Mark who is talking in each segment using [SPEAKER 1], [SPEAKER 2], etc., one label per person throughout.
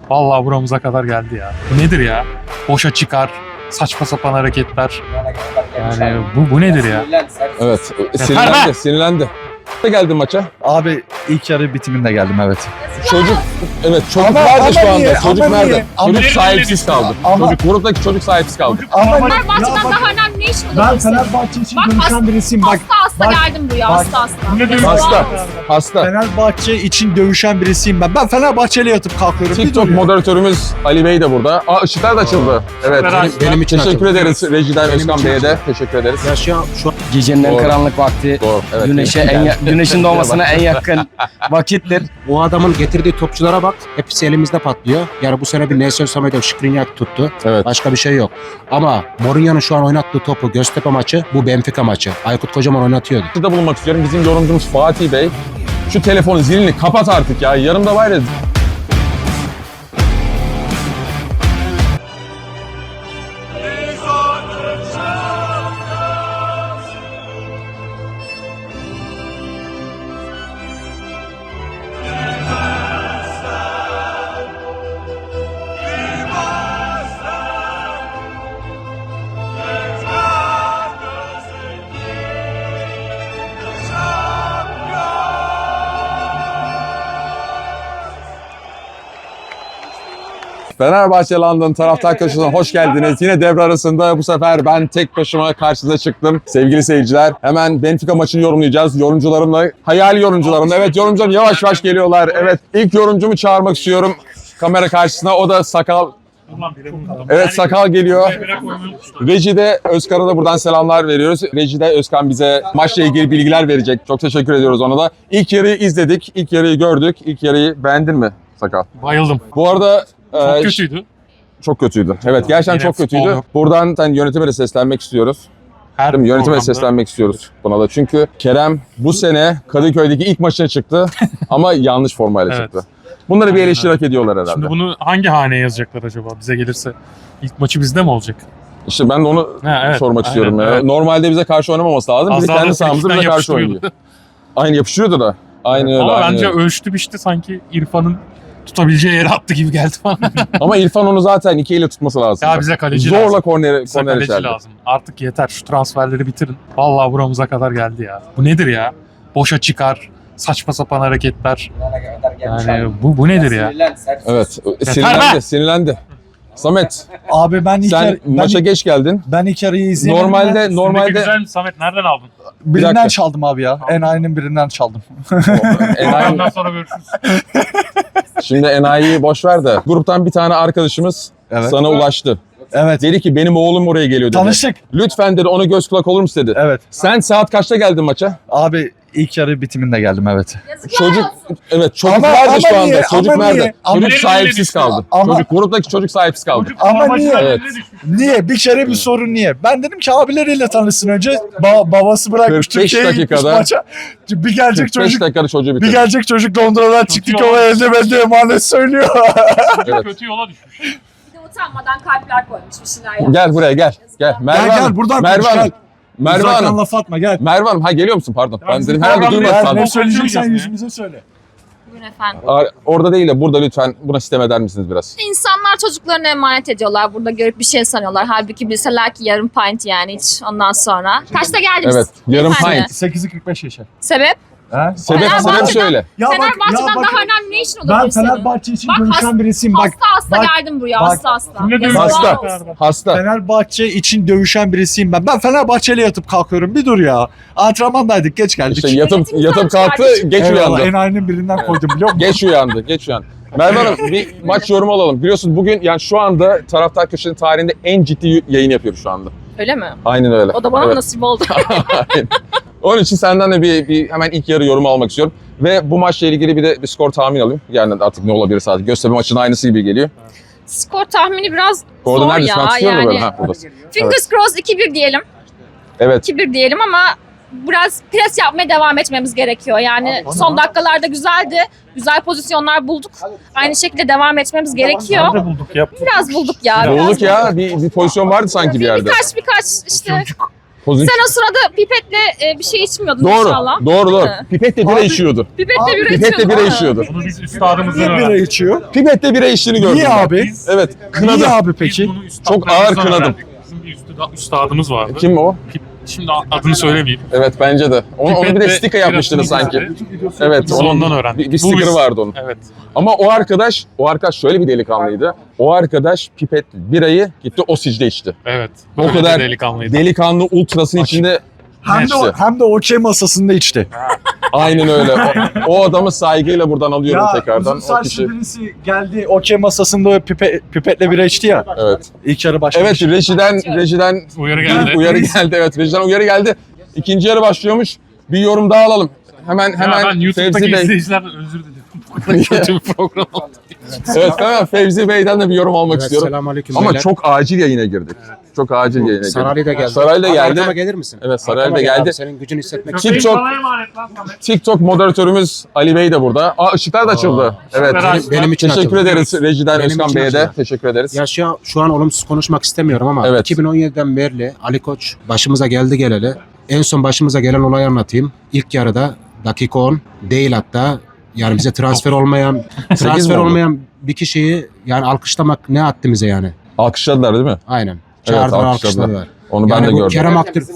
[SPEAKER 1] Vallahi buramıza kadar geldi ya. Bu nedir ya? Boşa çıkar, saçma sapan hareketler. Yani bu nedir ya?
[SPEAKER 2] Evet,
[SPEAKER 1] Sinirlendi.
[SPEAKER 2] sinirlendi. Ne geldin maça?
[SPEAKER 3] Abi ilk yarı bitiminde geldim evet.
[SPEAKER 2] Çocuk
[SPEAKER 3] Ama
[SPEAKER 2] nerede şu anda?
[SPEAKER 3] niye?
[SPEAKER 2] Çocuk
[SPEAKER 3] Ama
[SPEAKER 2] nerede?
[SPEAKER 3] niye?
[SPEAKER 2] Çocuk
[SPEAKER 1] Ama-
[SPEAKER 2] sahipsiz kaldı.
[SPEAKER 3] Ama-
[SPEAKER 2] Gruptaki çocuk sahipsiz kaldı.
[SPEAKER 3] Ama
[SPEAKER 4] Fenerbahçe'den daha önemli ne iş
[SPEAKER 3] ben
[SPEAKER 4] olabilirsin?
[SPEAKER 3] Fenerbahçe için
[SPEAKER 4] Bak,
[SPEAKER 3] dövüşen birisiyim. Bak
[SPEAKER 4] Hasta
[SPEAKER 3] bak,
[SPEAKER 4] geldim buraya,
[SPEAKER 3] bak.
[SPEAKER 4] hasta.
[SPEAKER 2] Hasta.
[SPEAKER 3] Fenerbahçe için dövüşen birisiyim ben. Ben Fenerbahçe'yle yatıp kalkıyorum. Bir
[SPEAKER 2] TikTok
[SPEAKER 3] dur ya.
[SPEAKER 2] moderatörümüz Ali Bey de burada. Işıklar da açıldı. Evet.
[SPEAKER 5] Benim için
[SPEAKER 2] Teşekkür
[SPEAKER 5] açıldı.
[SPEAKER 2] ederiz Rejiden Özkan
[SPEAKER 5] için
[SPEAKER 2] Bey'e de. Teşekkür ederiz.
[SPEAKER 5] Ya şu an gecenin en
[SPEAKER 2] Doğru.
[SPEAKER 5] karanlık vakti,
[SPEAKER 2] Doğru. Evet.
[SPEAKER 5] güneşin doğmasına en yakın vakittir.
[SPEAKER 6] O adamın getirdiği topçulara bak. Hepsi elimizde patlıyor. Yani bu sene bir Nelson Semedo, Skriniar tuttu.
[SPEAKER 2] Evet.
[SPEAKER 6] Başka bir şey yok. Ama Mourinho'nun şu an oynattığı topu Göztepe maçı, bu Benfica maçı. Aykut Kocaman oynatıyordu.
[SPEAKER 2] Burada bulunmak istiyorum. Bizim yorumcumuz Fatih Bey. Şu telefonun zilini kapat artık ya. Yanımda var ya. Fenerbahçe London taraftar köşesine hoş geldiniz. Yine devre arasında bu sefer ben tek başıma karşınıza çıktım. Sevgili seyirciler, hemen Benfica maçını yorumlayacağız. Yorumcularımla, hayali yorumcularımla. Evet, yorumcularım yavaş yavaş geliyorlar. Evet, ilk yorumcumu çağırmak istiyorum kamera karşısına. O da Sakal. Evet, Sakal geliyor. Reji'de Özkan'a da buradan selamlar veriyoruz. Reji'de Özkan bize maçla ilgili bilgiler verecek. Çok teşekkür ediyoruz ona da. İlk yarıyı izledik, ilk yarıyı gördük. İlk yarıyı beğendin mi Sakal?
[SPEAKER 1] Bayıldım.
[SPEAKER 2] Bu arada
[SPEAKER 1] Çok kötüydü.
[SPEAKER 2] çok kötüydü. Evet, gerçekten
[SPEAKER 1] Yine
[SPEAKER 2] çok kötüydü.
[SPEAKER 1] futbol yok.
[SPEAKER 2] Buradan yönetime de seslenmek istiyoruz.
[SPEAKER 1] Her
[SPEAKER 2] Değil mi? Yönetime de
[SPEAKER 1] programda-
[SPEAKER 2] seslenmek istiyoruz buna da. Çünkü Kerem bu sene Kadıköy'deki ilk maçına çıktı ama yanlış formayla
[SPEAKER 1] Evet.
[SPEAKER 2] çıktı. Bunları bir
[SPEAKER 1] Aynen
[SPEAKER 2] eleştiri hak ediyorlar herhalde.
[SPEAKER 1] Şimdi bunu hangi haneye yazacaklar acaba bize gelirse? İlk maçı bizde mi olacak?
[SPEAKER 2] İşte ben de onu
[SPEAKER 1] Ha, evet,
[SPEAKER 2] sormak
[SPEAKER 1] aynen,
[SPEAKER 2] istiyorum. Ya.
[SPEAKER 1] evet.
[SPEAKER 2] Normalde bize karşı oynamaması lazım.
[SPEAKER 1] Az
[SPEAKER 2] Bizi
[SPEAKER 1] daha
[SPEAKER 2] kendi
[SPEAKER 1] da
[SPEAKER 2] sahamızda
[SPEAKER 1] frikikten
[SPEAKER 2] bize karşı oynuyor.
[SPEAKER 1] yapıştırıyordu.
[SPEAKER 2] Aynı yapıştırıyordu da. Aynı öyle.
[SPEAKER 1] Ama
[SPEAKER 2] aynı
[SPEAKER 1] bence
[SPEAKER 2] öyle.
[SPEAKER 1] ölçtü sanki İrfan'ın tutabileceği yere attı gibi geldi bana.
[SPEAKER 2] Ama İrfan onu zaten iki elle tutması lazım.
[SPEAKER 1] Ya bize kaleci
[SPEAKER 2] Zorla
[SPEAKER 1] lazım.
[SPEAKER 2] korner
[SPEAKER 1] Bize kaleci
[SPEAKER 2] içerdi.
[SPEAKER 1] lazım. Artık yeter, şu transferleri bitirin. Vallahi buramıza kadar geldi ya. Bu nedir ya? Boşa çıkar, saçma sapan hareketler. Yani bu nedir ya?
[SPEAKER 2] Evet.
[SPEAKER 1] be!
[SPEAKER 2] Sinirlendi. Samet,
[SPEAKER 3] Abi ben ilk,
[SPEAKER 2] sen maça geç geldin.
[SPEAKER 3] ben ilk yarıyı izleyemedim.
[SPEAKER 2] Normalde
[SPEAKER 1] Normalde güzel mi Samet? Nereden aldın?
[SPEAKER 2] Bir
[SPEAKER 3] Birinden
[SPEAKER 2] dakika.
[SPEAKER 3] çaldım abi ya. Enayi'nin birinden çaldım.
[SPEAKER 2] Enayi,
[SPEAKER 1] Ondan sonra görüşürüz.
[SPEAKER 2] şimdi enayiyi boş ver de. Gruptan bir tane arkadaşımız
[SPEAKER 3] Evet.
[SPEAKER 2] sana ulaştı.
[SPEAKER 3] Evet.
[SPEAKER 2] Dedi ki benim oğlum oraya geliyor dedi.
[SPEAKER 3] Tanıştık.
[SPEAKER 2] Lütfen dedi ona göz kulak olur musun dedi.
[SPEAKER 3] Evet.
[SPEAKER 2] Sen saat kaçta geldin maça?
[SPEAKER 3] Abi ilk yarı bitiminde geldim evet.
[SPEAKER 2] Çocuk çocuk
[SPEAKER 3] Ama-
[SPEAKER 2] nerede
[SPEAKER 3] ama
[SPEAKER 2] şu anda?
[SPEAKER 3] niye?
[SPEAKER 2] Çocuk
[SPEAKER 3] Ama
[SPEAKER 2] nerede?
[SPEAKER 3] niye? Ama
[SPEAKER 2] Çocuk
[SPEAKER 1] niye?
[SPEAKER 2] sahipsiz kaldı.
[SPEAKER 3] Ama-
[SPEAKER 2] Çocuk gruptaki çocuk sahipsiz kaldı.
[SPEAKER 3] Ama niye?
[SPEAKER 2] Evet.
[SPEAKER 3] Niye? Bir kere bir sorun niye? Ben dedim ki abileriyle tanışsın önce. Babası bırakmış
[SPEAKER 2] 45
[SPEAKER 3] Türkiye'ye gitmiş
[SPEAKER 2] dakikada-
[SPEAKER 3] maça. Bir gelecek
[SPEAKER 2] 45
[SPEAKER 3] çocuk.
[SPEAKER 2] dakikada çocuğu
[SPEAKER 3] Bir
[SPEAKER 2] bitirdi.
[SPEAKER 3] gelecek çocuk Londra'dan çıktı ki o elde bende emanet söylüyor.
[SPEAKER 2] Evet.
[SPEAKER 1] Kötü yola düşmüş.
[SPEAKER 4] Bir de utanmadan kalpler koymuş bir şeyler yapmış.
[SPEAKER 2] Gel buraya gel. Gel. Merve
[SPEAKER 3] Gel,
[SPEAKER 2] Hanım.
[SPEAKER 3] buradan
[SPEAKER 2] Merve
[SPEAKER 3] konuş,
[SPEAKER 2] Hanım.
[SPEAKER 3] gel.
[SPEAKER 2] Merve
[SPEAKER 3] Uzaktan
[SPEAKER 2] Hanım.
[SPEAKER 3] laf atma gel.
[SPEAKER 2] Merve Hanım. Ha geliyor musun? Pardon. Ben
[SPEAKER 1] bizim
[SPEAKER 2] dedim herhalde
[SPEAKER 1] programda
[SPEAKER 2] duymadı
[SPEAKER 1] ya,
[SPEAKER 2] sandım.
[SPEAKER 3] Ne söyleyeceksen
[SPEAKER 1] ya.
[SPEAKER 3] yüzümüze söyle.
[SPEAKER 4] Buyurun efendim.
[SPEAKER 2] Orada değil de burada lütfen buna sistem eder misiniz biraz?
[SPEAKER 4] İnsanlar çocuklarını emanet ediyorlar. Burada görüp bir şey sanıyorlar. Halbuki bilseler ki yarım pint yani hiç ondan sonra. Kaçta geldiniz?
[SPEAKER 2] Evet. Yarım
[SPEAKER 4] Beyefendi.
[SPEAKER 2] pint.
[SPEAKER 3] 8'i 45 yaşa.
[SPEAKER 4] Sebep?
[SPEAKER 3] Ha?
[SPEAKER 2] Sebep
[SPEAKER 4] Fenerbahçe'den-
[SPEAKER 2] söyle.
[SPEAKER 3] Ya
[SPEAKER 4] Fenerbahçe'den
[SPEAKER 3] bak,
[SPEAKER 4] daha önemli ne işin
[SPEAKER 3] ben
[SPEAKER 4] olabilir senin?
[SPEAKER 3] Fenerbahçe için
[SPEAKER 4] Bak,
[SPEAKER 3] dövüşen birisiyim. Bak
[SPEAKER 4] Hasta
[SPEAKER 3] bak,
[SPEAKER 4] geldim buraya.
[SPEAKER 3] bak.
[SPEAKER 4] Hasta.
[SPEAKER 1] Ne
[SPEAKER 4] Yazıklar
[SPEAKER 1] diyorsun?
[SPEAKER 2] Hasta.
[SPEAKER 4] olsun.
[SPEAKER 2] Hasta.
[SPEAKER 3] Fenerbahçe için dövüşen birisiyim ben. Ben Fenerbahçe'yle yatıp kalkıyorum. Bir dur ya. Antrenmandaydık geç geldik.
[SPEAKER 2] İşte yatıp
[SPEAKER 4] Yönetim
[SPEAKER 2] kalktı,
[SPEAKER 4] kardeşim.
[SPEAKER 2] geç
[SPEAKER 3] Eyvallah,
[SPEAKER 2] uyandı.
[SPEAKER 3] enayinin birinden koydum biliyor musun?
[SPEAKER 2] Geç uyandı, geç uyandı. Merve Hanım bir maç yorumu alalım. Biliyorsunuz bugün yani şu anda Taraftar Köşesi'nin tarihinde en ciddi yayın yapıyoruz şu anda.
[SPEAKER 4] Öyle mi?
[SPEAKER 2] Aynen öyle.
[SPEAKER 4] O da bana
[SPEAKER 2] Evet.
[SPEAKER 4] nasip oldu.
[SPEAKER 2] Aynen. Onun için senden de bir hemen ilk yarı yorumu almak istiyorum. Ve bu maçla ilgili bir de bir skor tahmin alayım. Yani artık ne olabilir sadece. Göztepe maçının aynısı gibi geliyor.
[SPEAKER 4] Skor tahmini biraz
[SPEAKER 2] Orada
[SPEAKER 4] zor
[SPEAKER 2] neredesin? Ben
[SPEAKER 4] ya.
[SPEAKER 2] tutuyorum
[SPEAKER 4] Yani.
[SPEAKER 2] böyle. Ha, buradasın.
[SPEAKER 4] Fingers crossed 2-1 diyelim.
[SPEAKER 2] Evet.
[SPEAKER 4] 2-1 diyelim ama biraz pres yapmaya devam etmemiz gerekiyor. Yani son dakikalarda güzeldi. Güzel pozisyonlar bulduk. Aynı şekilde devam etmemiz gerekiyor.
[SPEAKER 1] Nerede bulduk ya?
[SPEAKER 4] Biraz bulduk ya.
[SPEAKER 2] Bulduk ya. Bir pozisyon vardı sanki bir yerde.
[SPEAKER 4] Birkaç işte
[SPEAKER 2] Pozisyon.
[SPEAKER 4] Sen o sırada pipetle bir şey içmiyordun
[SPEAKER 2] Doğru,
[SPEAKER 4] inşallah.
[SPEAKER 2] doğru.
[SPEAKER 4] Değil mi?
[SPEAKER 2] Pipetle bira içiyordu.
[SPEAKER 4] Pipetle bira
[SPEAKER 2] Pipetle
[SPEAKER 4] içiyordun.
[SPEAKER 2] bira
[SPEAKER 4] Ha.
[SPEAKER 2] içiyordu.
[SPEAKER 1] Bunu biz üstadımızdan
[SPEAKER 3] Niye bira
[SPEAKER 1] öğrendik.
[SPEAKER 3] içiyor?
[SPEAKER 2] Pipetle bira içtiğini gördüm.
[SPEAKER 3] Niye
[SPEAKER 2] ben.
[SPEAKER 3] abi?
[SPEAKER 2] Evet,
[SPEAKER 3] Niye
[SPEAKER 2] kınadım.
[SPEAKER 3] abi
[SPEAKER 1] Biz
[SPEAKER 3] peki?
[SPEAKER 1] bunu
[SPEAKER 2] Çok ağır
[SPEAKER 1] üstadlarımızdan
[SPEAKER 2] kınadım.
[SPEAKER 1] öğrendik. Bizim bir üstadımız vardı.
[SPEAKER 2] Kim o?
[SPEAKER 1] Şimdi adını söylemeyeyim.
[SPEAKER 2] Evet, bence de. Onu bir de
[SPEAKER 1] Pipetle
[SPEAKER 2] sticker yapmıştınız
[SPEAKER 1] birasını
[SPEAKER 2] sanki.
[SPEAKER 1] içti.
[SPEAKER 2] Evet,
[SPEAKER 1] Biz
[SPEAKER 2] onun
[SPEAKER 1] ondan öğrendik.
[SPEAKER 2] bir
[SPEAKER 1] Bu
[SPEAKER 2] sticker
[SPEAKER 1] biz-
[SPEAKER 2] vardı onun.
[SPEAKER 1] Evet.
[SPEAKER 2] Ama o arkadaş şöyle bir delikanlıydı. O arkadaş pipet birayı gitti o sicde içti.
[SPEAKER 1] Evet.
[SPEAKER 2] O
[SPEAKER 1] Böyle
[SPEAKER 2] kadar
[SPEAKER 1] delikanlıydı.
[SPEAKER 2] Delikanlı ultrasın
[SPEAKER 1] Açık.
[SPEAKER 2] içinde işte.
[SPEAKER 3] Hem de okey masasında içti.
[SPEAKER 2] Aynen öyle. O adamı saygıyla buradan alıyorum tekrardan.
[SPEAKER 3] uzun
[SPEAKER 2] O kişi.
[SPEAKER 3] saçlı birisi geldi okey masasında pipetle bira içti ya.
[SPEAKER 2] Evet.
[SPEAKER 3] İlk yarı başlamış.
[SPEAKER 2] Evet, rejiden
[SPEAKER 1] Uyarı geldi.
[SPEAKER 2] uyarı geldi. Evet, rejiden uyarı geldi. İkinci yarı başlıyormuş. Bir yorum daha alalım. Hemen
[SPEAKER 1] Ya ben YouTube'daki
[SPEAKER 2] Fevzi Bey.
[SPEAKER 1] izleyicilerden özür dilerim. Bu kadar kötü bir program oldu.
[SPEAKER 2] Evet, hemen Fevzi Bey'den de bir yorum almak istiyorum.
[SPEAKER 6] Selamünaleyküm
[SPEAKER 2] Ama
[SPEAKER 6] beyler.
[SPEAKER 2] çok acil yayına girdik. Çok acil yayına girdik.
[SPEAKER 6] Saraylı da geldi.
[SPEAKER 2] Saraylı da
[SPEAKER 6] Abi
[SPEAKER 2] geldi.
[SPEAKER 6] arkama gelir misin?
[SPEAKER 2] Evet, Saraylı
[SPEAKER 6] Arkama
[SPEAKER 2] da
[SPEAKER 6] gel
[SPEAKER 2] geldi.
[SPEAKER 6] abi, senin gücünü hissetmek
[SPEAKER 2] TikTok-
[SPEAKER 6] istiyorum.
[SPEAKER 2] TikTok moderatörümüz Ali Bey de burada. ışıklar da açıldı. Evet.
[SPEAKER 6] Benim için
[SPEAKER 2] Teşekkür
[SPEAKER 6] açıldı.
[SPEAKER 2] ederiz Rejiden
[SPEAKER 6] Benim
[SPEAKER 2] Özkan
[SPEAKER 6] için
[SPEAKER 2] Bey'e de.
[SPEAKER 6] açıldı.
[SPEAKER 2] Teşekkür ederiz.
[SPEAKER 6] Ya şu an olumsuz konuşmak istemiyorum ama
[SPEAKER 2] Evet.
[SPEAKER 6] 2017'den beri Ali Koç başımıza geldi geleli. En son başımıza gelen olayı anlatayım. İlk yarıda dakika 10 değil hatta yani bize transfer olmayan bir kişiyi yani alkışlamak ne haddimize yani.
[SPEAKER 2] Alkışladılar değil mi?
[SPEAKER 6] Aynen. Çağırdılar
[SPEAKER 2] alkışladılar.
[SPEAKER 6] alkışladılar.
[SPEAKER 2] Onu
[SPEAKER 6] Yani
[SPEAKER 2] ben de
[SPEAKER 6] bu
[SPEAKER 2] gördüm.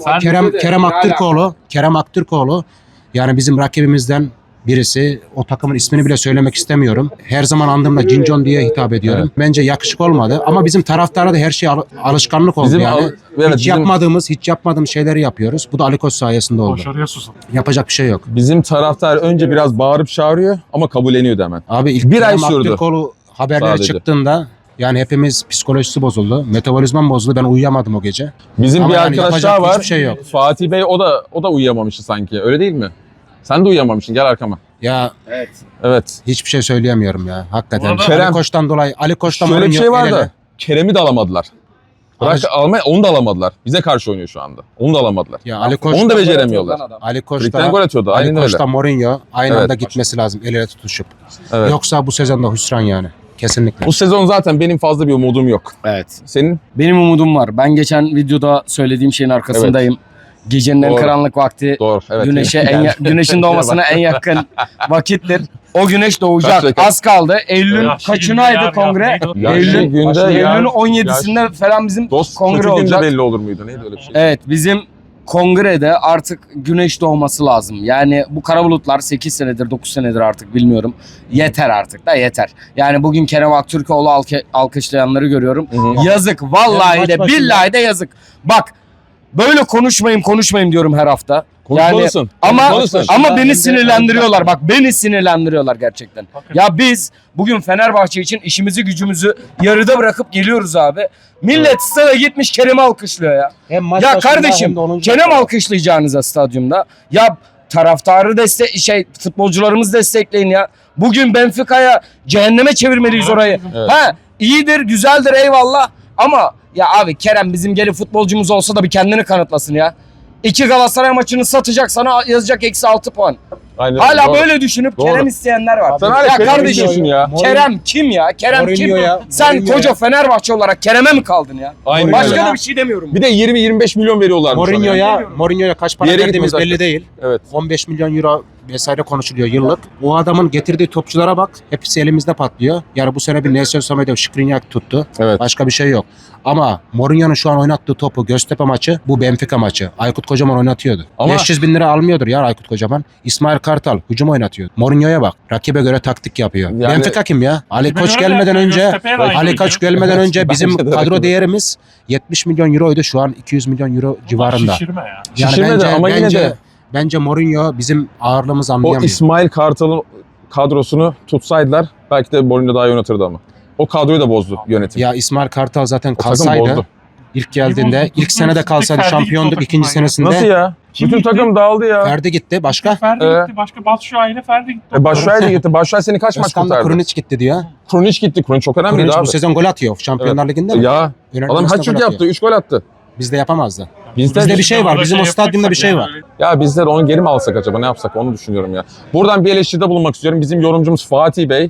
[SPEAKER 6] Kerem Aktürkoğlu yani bizim rakibimizden birisi. O takımın ismini bile söylemek istemiyorum. Her zaman andığımda Cincon diye hitap ediyorum.
[SPEAKER 2] Evet.
[SPEAKER 6] Bence yakışık olmadı ama bizim taraftara da her şey alışkanlık oldu yani. Hiç yapmadığımız şeyleri yapıyoruz. Bu da Ali Koç sayesinde oldu.
[SPEAKER 1] Başarıya susun.
[SPEAKER 6] Yapacak bir şey yok.
[SPEAKER 2] Bizim taraftar önce biraz bağırıp çağırıyor ama kabulleniyordu hemen.
[SPEAKER 6] Abi ilk
[SPEAKER 2] Bir ay
[SPEAKER 6] Kerem
[SPEAKER 2] sürdü.
[SPEAKER 6] Aktürkoğlu haberleri
[SPEAKER 2] Sadece.
[SPEAKER 6] çıktığında yani hepimiz psikolojisi bozuldu. Metabolizmam bozuldu. Ben uyuyamadım o gece.
[SPEAKER 2] Bizim
[SPEAKER 6] Ama
[SPEAKER 2] bir
[SPEAKER 6] yani
[SPEAKER 2] arkadaş
[SPEAKER 6] yapacak
[SPEAKER 2] daha var.
[SPEAKER 6] hiçbir şey yok.
[SPEAKER 2] Fatih Bey o da uyuyamamıştı sanki. Öyle değil mi? Sen de uyuyamamışsın. Gel arkama.
[SPEAKER 6] Ya
[SPEAKER 2] Evet.
[SPEAKER 6] hiçbir şey söyleyemiyorum ya. Hakikaten.
[SPEAKER 1] Orada-
[SPEAKER 2] Kerem-
[SPEAKER 6] Ali Koç'tan dolayı. Ali Koç'tan
[SPEAKER 2] Şöyle bir
[SPEAKER 6] Mourinho
[SPEAKER 2] şey var
[SPEAKER 6] el ele.
[SPEAKER 2] da Kerem'i de alamadılar. Bırak
[SPEAKER 6] Alış-
[SPEAKER 2] almaya onu da alamadılar. Bize karşı oynuyor şu anda. Onu da alamadılar.
[SPEAKER 6] Ya Ali Koç
[SPEAKER 2] Onu da beceremiyorlar.
[SPEAKER 6] Ali
[SPEAKER 2] Frikten
[SPEAKER 6] Koç'ta
[SPEAKER 2] gol atıyordu. Aynen
[SPEAKER 6] Ali
[SPEAKER 2] öyle.
[SPEAKER 6] Koç'ta Mourinho aynı
[SPEAKER 2] Evet.
[SPEAKER 6] anda gitmesi lazım el ele tutuşup.
[SPEAKER 2] Evet.
[SPEAKER 6] Yoksa bu sezonda hüsran yani. Kesinlikle.
[SPEAKER 2] Bu sezon zaten benim fazla bir umudum yok.
[SPEAKER 5] Evet.
[SPEAKER 2] Senin?
[SPEAKER 5] Benim umudum var. Ben geçen videoda söylediğim şeyin arkasındayım. Gecenin en
[SPEAKER 2] Doğru.
[SPEAKER 5] karanlık vakti
[SPEAKER 2] Doğru. Evet.
[SPEAKER 5] güneşin doğmasına en yakın vakittir. O güneş doğacak.
[SPEAKER 2] Kaç dakika?
[SPEAKER 5] Az kaldı. Eylül'ün
[SPEAKER 1] Yaşlı
[SPEAKER 5] kaçınaydı
[SPEAKER 1] günde
[SPEAKER 5] kongre?
[SPEAKER 1] neydi o?
[SPEAKER 2] Yaşlı
[SPEAKER 5] Eylül-
[SPEAKER 2] günde
[SPEAKER 5] Eylül'ün 17'sinde falan bizim
[SPEAKER 2] Dost
[SPEAKER 5] kongre
[SPEAKER 2] kötü günde
[SPEAKER 5] olacak.
[SPEAKER 2] belli olur muydu? Neydi öyle bir şey?
[SPEAKER 5] Evet, bizim kongrede artık güneş doğması lazım. Yani bu kara bulutlar 8 senedir 9 senedir artık bilmiyorum. Yeter artık da yeter. Yani bugün Kerem Aktürkoğlu alkışlayanları görüyorum.
[SPEAKER 2] Hı hı.
[SPEAKER 5] Yazık vallahi
[SPEAKER 6] maç
[SPEAKER 5] de
[SPEAKER 6] başında-
[SPEAKER 5] billahi de yazık. Bak böyle konuşmayayım diyorum her hafta.
[SPEAKER 2] Konuşmalısın.
[SPEAKER 5] Ama
[SPEAKER 2] Konuşmalısın.
[SPEAKER 5] ama beni sinirlendiriyorlar. Bak beni sinirlendiriyorlar gerçekten. Ya biz bugün Fenerbahçe için işimizi gücümüzü yarıda bırakıp geliyoruz abi. Millet stada gitmiş Kerem'i alkışlıyor ya.
[SPEAKER 6] Hem maç
[SPEAKER 5] Ya
[SPEAKER 6] başında
[SPEAKER 5] kardeşim
[SPEAKER 6] hem de 10.
[SPEAKER 5] Kerem alkışlayacağınıza stadyumda. Ya taraftarı futbolcularımız destekleyin ya. Bugün Benfica'ya cehenneme çevirmeliyiz orayı.
[SPEAKER 2] Evet.
[SPEAKER 5] Ha iyidir, güzeldir eyvallah ama ya abi Kerem bizim gelip futbolcumuz olsa da bir kendini kanıtlasın ya. 2 Galatasaray maçını satacak sana yazacak -6 puan.
[SPEAKER 2] Aynen,
[SPEAKER 5] Hala
[SPEAKER 2] doğru.
[SPEAKER 5] böyle düşünüp
[SPEAKER 2] Doğru.
[SPEAKER 5] Kerem isteyenler var.
[SPEAKER 2] Sen hala
[SPEAKER 5] ya
[SPEAKER 2] Kerem'i
[SPEAKER 5] kardeşim
[SPEAKER 2] istiyorsun ya.
[SPEAKER 5] Kerem kim ya? Kerem kim?
[SPEAKER 6] Mourinho'ya-
[SPEAKER 5] Sen
[SPEAKER 6] Mourinho'ya-
[SPEAKER 5] koca Fenerbahçe olarak Kerem'e mi kaldın ya?
[SPEAKER 2] Aynen
[SPEAKER 5] Başka
[SPEAKER 2] öyle.
[SPEAKER 5] da bir şey demiyorum.
[SPEAKER 2] Bir de 20-25 milyon veriyorlarmış ona ya.
[SPEAKER 6] Mourinho'ya kaç para
[SPEAKER 2] Bir yere
[SPEAKER 6] verdiğimiz
[SPEAKER 2] gitmez
[SPEAKER 6] belli değil.
[SPEAKER 2] Evet.
[SPEAKER 6] 15 milyon euro vesaire konuşuluyor yıllık. O adamın getirdiği topçulara bak. Hepsi elimizde patlıyor. Yani bu sene bir Nelson Semedo, Skriniar tuttu.
[SPEAKER 2] Evet.
[SPEAKER 6] Başka bir şey yok. Ama Mourinho'nun şu an oynattığı topu Göztepe maçı, bu Benfica maçı. Aykut Kocaman oynatıyordu.
[SPEAKER 2] Ama-
[SPEAKER 6] 500 bin lira almıyordur ya Aykut Kocaman. İsmail Kartal hücum oynatıyordu. Mourinho'ya bak. Rakibe göre taktik yapıyor.
[SPEAKER 2] Yani-
[SPEAKER 6] Benfica kim ya? Ali
[SPEAKER 1] Rakibe
[SPEAKER 6] Koç
[SPEAKER 1] göre
[SPEAKER 6] gelmeden
[SPEAKER 1] de
[SPEAKER 6] önce
[SPEAKER 1] Göztepe'ye de aynı
[SPEAKER 6] Ali Koç gelmeden önce bizim
[SPEAKER 2] Bence de
[SPEAKER 6] kadro
[SPEAKER 2] rakibe.
[SPEAKER 6] değerimiz 70 milyon euroydu. Şu an 200 milyon euro civarında.
[SPEAKER 1] Şişirme ya.
[SPEAKER 2] Şişirmedi ama yine de-
[SPEAKER 6] Bence Mourinho bizim ağırlığımızı
[SPEAKER 2] O
[SPEAKER 6] anlayamıyor.
[SPEAKER 2] İsmail Kartal'ın kadrosunu tutsaydılar belki de Mourinho daha iyi yönetirirdi ama. O kadroyu da bozdu yönetim.
[SPEAKER 6] Ya İsmail Kartal zaten
[SPEAKER 2] O takım
[SPEAKER 6] kalsaydı
[SPEAKER 2] bozdu.
[SPEAKER 6] ilk geldiğinde
[SPEAKER 1] bozdu?
[SPEAKER 6] ilk senede kalsaydı
[SPEAKER 1] Ferdi gitti o
[SPEAKER 6] şampiyonduk, ikinci
[SPEAKER 1] takımdan ya.
[SPEAKER 6] senesinde
[SPEAKER 2] Nasıl ya?
[SPEAKER 1] Kim
[SPEAKER 2] Bütün
[SPEAKER 1] gitti?
[SPEAKER 2] takım dağıldı ya.
[SPEAKER 6] Ferdi gitti. Başka?
[SPEAKER 1] Ferdi
[SPEAKER 2] Evet.
[SPEAKER 1] gitti. Başka Batshuayi ile Ferdi gitti.
[SPEAKER 2] Başşuay da gitti. Başşuay seni kaç maç
[SPEAKER 6] Özkan da
[SPEAKER 2] kurtardı?
[SPEAKER 6] Krunic gitti diyor.
[SPEAKER 2] Krunic gitti. Krunic çok önemliydi
[SPEAKER 6] Krunic
[SPEAKER 2] abi.
[SPEAKER 6] bu sezon gol atıyor Şampiyonlar Ligi'nde mi?
[SPEAKER 2] Ya
[SPEAKER 6] Önemli
[SPEAKER 2] adam
[SPEAKER 6] maçta
[SPEAKER 2] hat-trick
[SPEAKER 6] gol
[SPEAKER 2] yaptı.
[SPEAKER 6] atıyor.
[SPEAKER 2] 3 gol attı.
[SPEAKER 6] Bizde yapamazdı.
[SPEAKER 2] Bizde
[SPEAKER 6] Bizde bir şey var. Bizim o stadyumda bir şey var.
[SPEAKER 2] Ya bizler onu geri mi alsak acaba, ne yapsak onu düşünüyorum ya. Buradan bir eleştiride bulunmak istiyorum. Bizim yorumcumuz Fatih Bey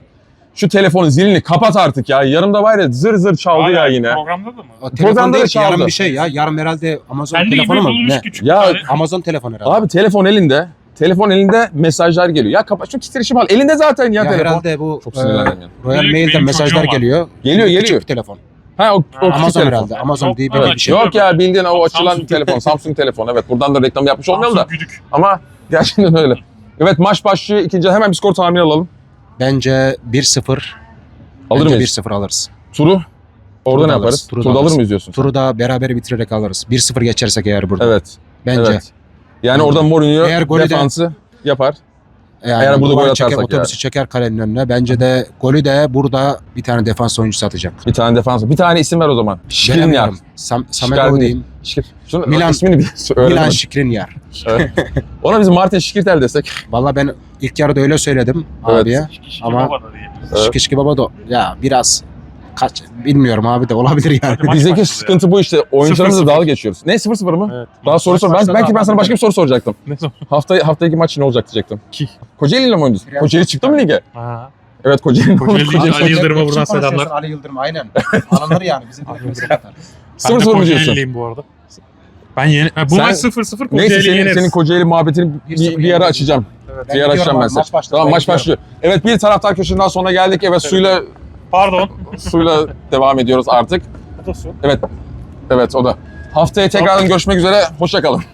[SPEAKER 2] Şu telefonun zilini kapat artık ya. Yarımda var ya zır zır çaldı ya yine.
[SPEAKER 1] Programda da mı?
[SPEAKER 6] O
[SPEAKER 2] Programda
[SPEAKER 6] telefon
[SPEAKER 2] da
[SPEAKER 6] değil ki,
[SPEAKER 2] çaldı.
[SPEAKER 6] yarın bir şey ya. Yarın herhalde Amazon
[SPEAKER 1] Kendi
[SPEAKER 6] telefonu
[SPEAKER 1] gibi
[SPEAKER 6] mu?
[SPEAKER 1] bulmuş
[SPEAKER 6] Ne?
[SPEAKER 1] küçük.
[SPEAKER 2] Ya,
[SPEAKER 1] bir tane.
[SPEAKER 6] Amazon telefonu herhalde.
[SPEAKER 2] Abi telefon elinde. Telefon elinde mesajlar geliyor. Ya kapat şu titreşim al. Elinde zaten ya,
[SPEAKER 6] ya
[SPEAKER 2] telefon.
[SPEAKER 6] herhalde bu
[SPEAKER 2] Çok sinirlendim ya.
[SPEAKER 6] Royal
[SPEAKER 1] Benim
[SPEAKER 6] Mail'den
[SPEAKER 1] çocuğum
[SPEAKER 6] mesajlar
[SPEAKER 1] var.
[SPEAKER 6] geliyor.
[SPEAKER 2] Geliyor,
[SPEAKER 6] Küçük
[SPEAKER 2] geliyor.
[SPEAKER 6] bir telefon.
[SPEAKER 2] Ha o küçük
[SPEAKER 6] Amazon
[SPEAKER 2] telefon.
[SPEAKER 6] herhalde. Amazon
[SPEAKER 1] Yok,
[SPEAKER 6] diye
[SPEAKER 1] evet,
[SPEAKER 6] böyle bir şey.
[SPEAKER 2] Yok ya bildiğin o açılan
[SPEAKER 1] Samsung.
[SPEAKER 2] telefon. Samsung telefon. Evet buradan da reklam yapmış olmayalım da.
[SPEAKER 1] Samsung güdük.
[SPEAKER 2] Ama gerçekten öyle. Evet maç başlıyor. İkinci hemen bir skor tahmini alalım.
[SPEAKER 6] Bence 1-0.
[SPEAKER 2] Alır
[SPEAKER 6] Bence
[SPEAKER 2] mıyız?
[SPEAKER 6] 1-0 alırız.
[SPEAKER 2] Turu orada
[SPEAKER 6] Turu
[SPEAKER 2] ne
[SPEAKER 6] da
[SPEAKER 2] yaparız?
[SPEAKER 6] alırız, turu da
[SPEAKER 2] Turda alır
[SPEAKER 6] alırız.
[SPEAKER 2] mıyız diyorsun?
[SPEAKER 6] Turu da beraber bitirerek alırız. 1-0 geçersek eğer burada.
[SPEAKER 2] Evet.
[SPEAKER 6] Bence.
[SPEAKER 2] Evet. Yani orada Mourinho
[SPEAKER 6] Eğer golü de-
[SPEAKER 2] defansı yapar.
[SPEAKER 6] Yani
[SPEAKER 2] Eğer burada gol
[SPEAKER 6] duvarı çeker,
[SPEAKER 2] atarsak
[SPEAKER 6] otobüsü çeker kalenin önüne. Bence de golü de burada bir tane defans oyuncusu atacak.
[SPEAKER 2] Bir tane defans. Bir tane isim ver o zaman. Şikrin yer.
[SPEAKER 6] Bilemiyorum. Samet diyeyim.
[SPEAKER 2] Şunu
[SPEAKER 6] Milan-
[SPEAKER 2] ismini bir söyle.
[SPEAKER 6] Milan Skriniar.
[SPEAKER 2] Ona biz Martin Şikirtel desek.
[SPEAKER 6] Valla ben ilk yarıda öyle söyledim
[SPEAKER 2] Evet.
[SPEAKER 6] abiye. Ama Şiki baba da ya biraz bilmiyorum abi de olabilir yani.
[SPEAKER 1] Hadi maç
[SPEAKER 2] Bizdeki
[SPEAKER 1] başladı
[SPEAKER 2] sıkıntı bu işte. Oyuncularımızla
[SPEAKER 1] 0-0.
[SPEAKER 2] dalga geçiyoruz. Ne 0-0 mı?
[SPEAKER 1] Evet.
[SPEAKER 2] Daha soru sor. Belki ben sana başka bir soru soracaktım.
[SPEAKER 1] Ne zaman?
[SPEAKER 2] Haftaki maç ne olacak diyecektim.
[SPEAKER 1] Ki.
[SPEAKER 2] Kocaeli ile mi oynuyorsun? Kocaeli çıktı mı lige?
[SPEAKER 1] Ha.
[SPEAKER 2] Evet Kocaeli.
[SPEAKER 1] Kocaeli Ali Yıldırım'a buradan selamlar.
[SPEAKER 6] Ali Yıldırım aynen. Alınır yani. Bizim
[SPEAKER 1] Ali Yıldırım.
[SPEAKER 2] Ben
[SPEAKER 1] 0-0
[SPEAKER 2] de
[SPEAKER 1] 0 mu
[SPEAKER 2] diyorsun?
[SPEAKER 1] Kocaeli'liyim bu arada. Ben yeni... Ha, bu
[SPEAKER 2] Sen-
[SPEAKER 1] maç 0-0
[SPEAKER 2] Neyse
[SPEAKER 1] Kocaeli yeneriz.
[SPEAKER 2] senin Kocaeli muhabbetini bir ara açacağım. Bir ara açacağım ben size. Tamam maç başlıyor. Evet bir taraftar köşesinden sonra geldik. Evet
[SPEAKER 1] Pardon.
[SPEAKER 2] suyla devam ediyoruz artık.
[SPEAKER 1] Bu da su.
[SPEAKER 2] Evet o da. Haftaya tekrardan görüşmek üzere. Hoşça kalın.